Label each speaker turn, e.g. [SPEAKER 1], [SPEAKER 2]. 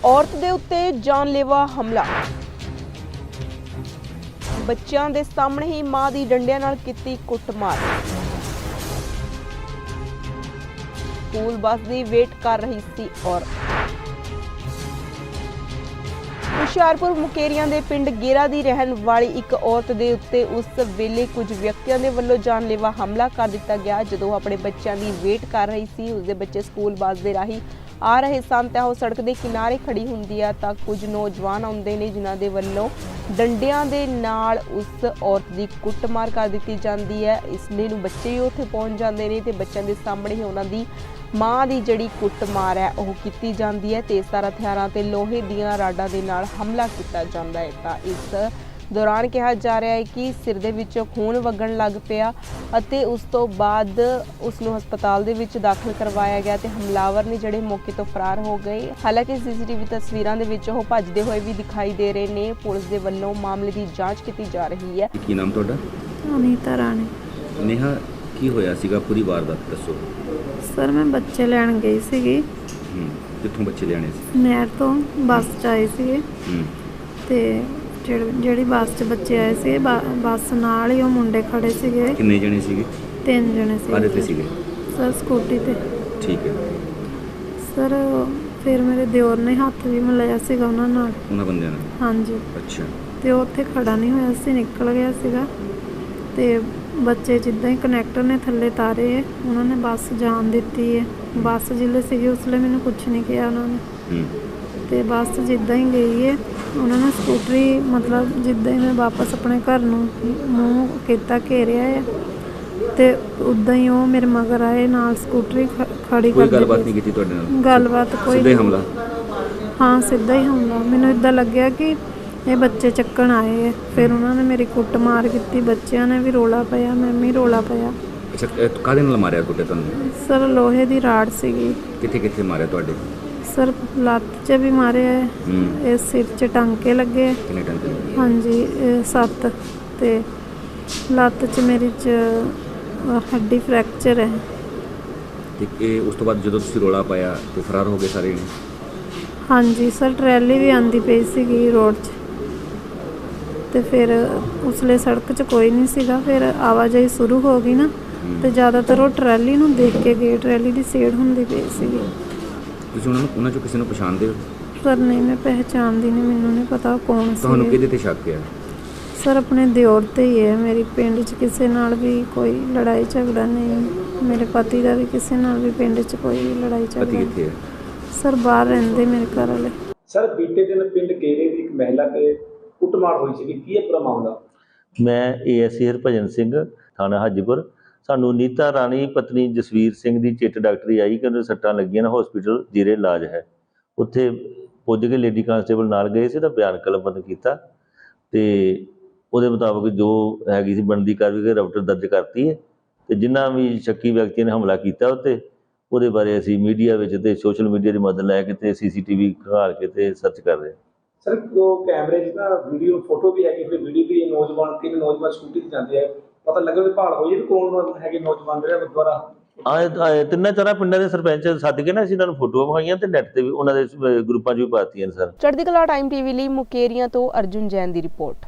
[SPEAKER 1] ਔਰਤ ਦੇ ਉੱਤੇ ਜਾਨਲੇਵਾ ਹਮਲਾ। ਬੱਚਿਆਂ ਦੇ ਸਾਹਮਣੇ ਹੀ ਮਾਂ ਦੀ ਡੰਡਿਆਂ ਨਾਲ ਕੀਤੀ ਕੁੱਟਮਾਰ। ਸਕੂਲ ਬੱਸ ਦੀ ਵੇਟ ਕਰ ਰਹੀ ਸੀ ਔਰਤ। ਹੁਸ਼ਿਆਰਪੁਰ ਮੁਕੇਰੀਆਂ ਦੇ ਪਿੰਡ ਗੇਰਾ ਦੀ ਰਹਿਣ ਵਾਲੀ ਇੱਕ ਔਰਤ ਦੇ ਉੱਤੇ ਉਸ ਵੇਲੇ ਕੁਝ ਵਿਅਕਤੀਆਂ ਦੇ ਵੱਲੋਂ ਜਾਨਲੇਵਾ ਹਮਲਾ ਕਰ ਦਿੱਤਾ ਗਿਆ। ਜਦੋਂ ਆਪਣੇ ਬੱਚਿਆਂ ਦੀ ਵੇਟ ਕਰ ਰਹੀ ਸੀ, ਉਸਦੇ ਬੱਚੇ ਸਕੂਲ ਬੱਸ ਦੇ ਰਾਹੀਂ ਆ ਰਹੇ ਸਨ ਤਾਂ ਉਹ ਸੜਕ ਦੇ ਕਿਨਾਰੇ ਖੜੀ ਹੁੰਦੀ ਆ ਤਾਂ ਕੁਝ ਨੌਜਵਾਨ ਆਉਂਦੇ ਨੇ ਜਿਨ੍ਹਾਂ ਦੇ ਵੱਲੋਂ ਡੰਡਿਆਂ ਦੇ ਨਾਲ ਉਸ ਔਰਤ ਦੀ ਕੁੱਟਮਾਰ ਕਰ ਦਿੱਤੀ ਜਾਂਦੀ ਹੈ। ਇਸ ਲਈ ਨੂੰ ਬੱਚੇ ਹੀ ਉੱਥੇ ਪਹੁੰਚ ਜਾਂਦੇ ਨੇ ਤੇ ਬੱਚਿਆਂ ਦੇ ਸਾਹਮਣੇ ਹੀ ਉਹਨਾਂ ਦੀ ਮਾਂ ਦੀ ਜਿਹੜੀ ਕੁੱਟਮਾਰ ਹੈ ਉਹ ਕੀਤੀ ਜਾਂਦੀ ਹੈ। ਤੇਜ਼ਧਾਰ ਹਥਿਆਰਾਂ ਤੇ ਲੋਹੇ ਦੀਆਂ ਰਾਡਾਂ ਦੇ ਨਾਲ ਹਮਲਾ ਕੀਤਾ ਜਾਂਦਾ ਹੈ ਤਾਂ ਇਸ ਦੌਰਾਨ ਕਿਹਾ ਜਾ ਰਿਹਾ ਹੈ ਕਿ ਸਿਰ ਦੇ ਵਿੱਚੋਂ ਖੂਨ ਵਗਣ ਲੱਗ ਪਿਆ ਅਤੇ ਉਸ ਤੋਂ ਬਾਅਦ ਉਸ ਨੂੰ ਹਸਪਤਾਲ ਦੇ ਵਿੱਚ ਦਾਖਲ ਕਰਵਾਇਆ ਗਿਆ ਤੇ ਹਮਲਾਵਰ ਨੇ ਜਿਹੜੇ ਮੌਕੇ ਤੋਂ ਫਰਾਰ ਹੋ ਗਏ। ਹਾਲਾਂਕਿ ਸੀਸੀਟੀਵੀ ਤਸਵੀਰਾਂ ਦੇ ਵਿੱਚ ਉਹ ਭੱਜਦੇ ਹੋਏ ਵੀ ਦਿਖਾਈ ਦੇ ਰਹੇ ਨੇ। ਪੁਲਿਸ ਦੇ ਵੱਲੋਂ ਮਾਮਲੇ ਦੀ ਜਾਂਚ ਕੀਤੀ ਜਾ ਰਹੀ ਹੈ।
[SPEAKER 2] ਕੀ ਨਾਮ ਤੁਹਾਡਾ?
[SPEAKER 3] ਅਨੀਤਾ ਰਾਣੀ।
[SPEAKER 2] ਨੇਹਾ, ਕੀ ਹੋਇਆ ਸੀਗਾ? ਪੂਰੀ ਵਾਰਦਾਤ ਦੱਸੋ।
[SPEAKER 3] ਸਰ ਮੈਂ ਬੱਚੇ ਲੈਣ ਗਈ ਸੀਗੀ।
[SPEAKER 2] ਕਿੱਥੋਂ ਬੱਚੇ ਲਿਆਣੇ ਸੀ?
[SPEAKER 3] ਨਹਿਰ ਤੋਂ ਬੱਸ 'ਚ ਆਏ ਸੀਗੇ ਤੇ ਜਿਹੜੀ ਬੱਸ 'ਚ ਬੱਚੇ ਆਏ ਸੀ ਬੱਸ ਨਾਲ ਹੀ ਉਹ ਮੁੰਡੇ ਖੜੇ ਸੀਗੇ।
[SPEAKER 2] ਕਿੰਨੇ ਜਣੇ ਸੀਗੇ?
[SPEAKER 3] 3 ਜਣੇ ਸੀ।
[SPEAKER 2] ਕਾਹਦੇ ਤੇ ਸੀਗੇ?
[SPEAKER 3] ਸਰ ਸਕੂਟੀ ਤੇ।
[SPEAKER 2] ਠੀਕ ਹੈ
[SPEAKER 3] ਸਰ ਫਿਰ ਮੇਰੇ ਦਿਓਰ ਨੇ ਹੱਥ ਵੀ ਮਿਲਾਇਆ ਸੀਗਾ ਉਹਨਾਂ
[SPEAKER 2] ਬੰਦਿਆਂ ਨਾਲ।
[SPEAKER 3] ਹਾਂਜੀ।
[SPEAKER 2] ਅੱਛਾ।
[SPEAKER 3] ਤੇ ਉਹ ਉੱਥੇ ਖੜਾ ਨਹੀਂ ਹੋਇਆ ਸੀ, ਨਿਕਲ ਗਿਆ ਸੀਗਾ ਤੇ ਬੱਚੇ ਜਿੱਦਾਂ ਹੀ ਕਨੈਕਟਰ ਨੇ ਥੱਲੇ ਤਾਰੇ ਹੈ, ਉਹਨਾਂ ਨੇ ਬੱਸ ਜਾਣ ਦਿੱਤੀ ਹੈ। ਬੱਸ ਜਿੱਲੇ ਸੀਗੀ ਉਸ ਵੇਲੇ ਮੈਨੂੰ ਕੁਛ ਨਹੀਂ ਕਿਹਾ ਉਹਨਾਂ ਨੇ ਤੇ ਬੱਸ ਜਿੱਦਾਂ ਹੀ ਗਈ ਹੈ ਉਹਨਾਂ ਨੇ ਸਕੂਟਰੀ ਮਤਲਬ ਜਿੱਦਾਂ ਹੀ ਮੈਂ ਵਾਪਸ ਆਪਣੇ ਘਰ ਨੂੰ ਮੂੰਹ ਕੀਤਾ ਘੇਰਿਆ ਹੈ ਤੇ ਉੱਦਾਂ ਹੀ ਉਹ ਮੇਰੇ ਮਗਰ ਆਏ ਨਾਲ ਸਕੂਟਰੀ ਖੜੀ ਕਰ ਦਿੱਤੀ।
[SPEAKER 2] ਕੋਈ ਗੱਲਬਾਤ ਨਹੀਂ ਕੀਤੀ ਤੁਹਾਡੇ ਨਾਲ?
[SPEAKER 3] ਗੱਲਬਾਤ ਕੋਈ।
[SPEAKER 2] ਸਿੱਧਾ ਹੀ ਹਮਲਾ?
[SPEAKER 3] ਹਾਂ ਸਿੱਧਾ ਹੀ ਹਮਲਾ। ਮੈਨੂੰ ਇੱਦਾਂ ਲੱਗਿਆ ਕਿ ਇਹ ਬੱਚੇ ਚੱਕਣ ਆਏ ਹੈ। ਫਿਰ ਉਹਨਾਂ ਨੇ ਮੇਰੀ ਕੁੱਟਮਾਰ ਕੀਤੀ, ਬੱਚਿਆਂ ਨੇ ਵੀ ਰੋਲਾ ਪਾਇਆ, ਮੈਂ ਵੀ ਰੋਲਾ ਪਾਇਆ।
[SPEAKER 2] ਅੱਛਾ, ਕਾਹਦੇ ਨਾਲ ਮਾਰਿਆ ਤੁਹਾਡੇ ਤੁਹਾਨੂੰ?
[SPEAKER 3] ਸਰ ਲੋਹੇ ਦੀ ਰਾੜ ਸੀਗੀ।
[SPEAKER 2] ਕਿੱਥੇ ਕਿੱਥੇ ਮਾਰਿਆ ਤੁਹਾਡੇ?
[SPEAKER 3] ਸਰ ਲੱਤ 'ਚ ਵੀ ਮਾਰਿਆ ਹੈ, ਇਹ ਸਿਰ 'ਚ ਟਾਂਕੇ ਲੱਗੇ।
[SPEAKER 2] ਕਿੰਨੇ ਟਾਂਕੇ ਲੱਗੇ?
[SPEAKER 3] ਹਾਂਜੀ 7 ਤੇ ਲੱਤ 'ਚ ਮੇਰੀ 'ਚ ਹੱਡੀ ਫ੍ਰੈਕਚਰ ਹੈ।
[SPEAKER 2] ਤੇ ਇਹ ਉਸ ਤੋਂ ਬਾਅਦ ਜਦੋਂ ਤੁਸੀਂ ਰੋਲਾ ਪਾਇਆ ਤੇ ਫਰਾਰ ਹੋ ਗਏ ਸਾਰੇ ਨੇ? ਹਾਂਜੀ
[SPEAKER 3] ਸਰ ਟਰੈਲੀ ਵੀ ਆਂਦੀ ਪਈ ਸੀਗੀ ਰੋਡ 'ਚ ਤੇ ਫਿਰ ਉਸਲੇ ਸੜਕ 'ਚ ਕੋਈ ਨਹੀਂ ਸੀਗਾ। ਫਿਰ ਆਵਾਜਾਈ ਸ਼ੁਰੂ ਹੋ ਗਈ ਨਾ ਤੇ ਜ਼ਿਆਦਾਤਰ ਉਹ ਟਰੈਲੀ ਨੂੰ ਦੇਖ ਕੇ ਗਏ। ਟਰੈਲੀ ਦੀ ਸੇੜ ਹੁੰਦੀ ਪਈ ਸੀਗੀ।
[SPEAKER 2] ਤੁਸੀਂ ਉਹਨਾਂ ਚੋਂ ਕਿਸੇ ਨੂੰ ਪਛਾਣਦੇ ਹੋ?
[SPEAKER 3] ਸਰ ਨਹੀਂ, ਮੈਂ ਪਹਿਚਾਣਦੀ ਨਹੀਂ, ਮੈਨੂੰ ਨਹੀਂ ਪਤਾ ਕੌਣ ਸੀ।
[SPEAKER 2] ਤੁਹਾਨੂੰ ਕਿਹਦੇ ਤੇ ਸ਼ੱਕ ਹੈ?
[SPEAKER 3] ਸਰ ਆਪਣੇ ਦਿਓਰ ਤੇ ਹੀ ਹੈ। ਮੇਰੀ ਪਿੰਡ 'ਚ ਕਿਸੇ ਨਾਲ ਵੀ ਕੋਈ ਲੜਾਈ ਝਗੜਾ ਨਹੀਂ। ਮੇਰੇ ਪਤੀ ਦਾ ਵੀ ਕਿਸੇ ਨਾਲ ਵੀ ਪਿੰਡ 'ਚ ਕੋਈ ਲੜਾਈ ਝਗੜਾ ਨਹੀਂ।
[SPEAKER 2] ਪਤੀ ਕਿੱਥੇ ਹੈ?
[SPEAKER 3] ਸਰ ਬਾਹਰ ਰਹਿੰਦੇ ਮੇਰੇ ਘਰ ਵਾਲੇ।
[SPEAKER 4] ਸਰ ਬੀਤੇ ਦਿਨ ਪਿੰਡ ਗੇਰੇ ਦੀ ਇੱਕ ਮਹਿਲਾ ਤੇ ਕੁੱਟਮਾਰ ਹੋਈ ਸੀ, ਕੀ ਹੈ ਪੂਰਾ ਮਾਮਲਾ?
[SPEAKER 5] ਮੈਂ ਏਐਸਏ ਹਰਭਜਨ ਸਿੰਘ, ਥਾਣਾ ਹਾਜੀਪੁਰ। ਸਾਨੂੰ ਨੀਤਾ ਰਾਣੀ ਪਤਨੀ ਜਸਵੀਰ ਸਿੰਘ ਦੀ ਚਿੱਟ ਡਾਕਟਰੀ ਆਈ ਕਿ ਉਹਨੂੰ ਸੱਟਾਂ ਲੱਗੀਆਂ ਨੇ, ਹਸਪੀਟਲ ਜੀਰੇ ਇਲਾਜ ਹੈ। ਉੱਥੇ ਪੁੱਜ ਕੇ ਲੇਡੀ ਕਾਂਸਟੇਬਲ ਨਾਲ ਗਏ ਸੀ ਤਾਂ ਬਿਆਨ ਕਲਮਬੰਦ ਕੀਤਾ ਤੇ ਉਹਦੇ ਮੁਤਾਬਕ ਜੋ ਹੈਗੀ ਸੀ ਬਣਦੀ ਕਾਰਵਾਈ ਰਪਟ ਦਰਜ ਕਰਤੀ ਹੈ ਤੇ ਜਿਨ੍ਹਾਂ ਵੀ ਸ਼ੱਕੀ ਵਿਅਕਤੀਆਂ ਨੇ ਹਮਲਾ ਕੀਤਾ ਉੱਤੇ ਉਹਦੇ ਬਾਰੇ ਅਸੀਂ ਮੀਡੀਆ ਵਿੱਚ ਤੇ ਸੋਸ਼ਲ ਮੀਡੀਆ ਦੀ ਮਦਦ ਲੈ ਕੇ ਤੇ ਸੀਸੀਟੀਵੀ ਖੰਗਾਲ ਕੇ ਤੇ ਸਰਚ ਕਰ ਰਹੇ ਹਾਂ।
[SPEAKER 4] ਸਰ ਉਹ ਕੈਮਰੇ 'ਚ ਨਾ ਵੀਡੀਓ ਫੋਟੋ ਵੀ ਹੈਗੀ, ਫਿਰ ਵੀਡੀਓ ਵੀ 3 ਨੌਜਵਾਨ ਸਕੂਟੀ ਤੇ ਜਾਂਦੇ ਆ, ਪਤਾ ਲੱਗਾ ਵੀ ਭਾਲ ਹੋਈ ਵੀ ਕੌਣ ਹੈਗੇ ਨੌਜਵਾਨ ਜਿਹੜੇ ਦੁਆਰਾ
[SPEAKER 5] ਆਏ 3-4 ਪਿੰਡਾਂ ਦੇ ਸਰਪੰਚ ਸੱਦ ਕੇ ਨਾ ਅਸੀਂ ਇਹਨਾਂ ਨੂੰ ਫੋਟੋਆਂ ਵਿਖਾਈਆਂ ਤੇ ਨੈੱਟ ਤੇ ਵੀ ਉਹਨਾਂ ਦੇ ਗਰੁੱਪਾਂ 'ਚ ਵੀ ਪਾਤੀਆਂ ਨੇ। ਸਰ
[SPEAKER 1] ਚੜ੍ਹਦੀ ਕਲਾ ਟਾਈਮ ਟੀਵੀ ਲਈ ਮੁਕੇਰੀਆਂ ਤੋਂ ਅਰਜੁਨ ਜੈਨ ਦੀ ਰਿਪੋਰਟ।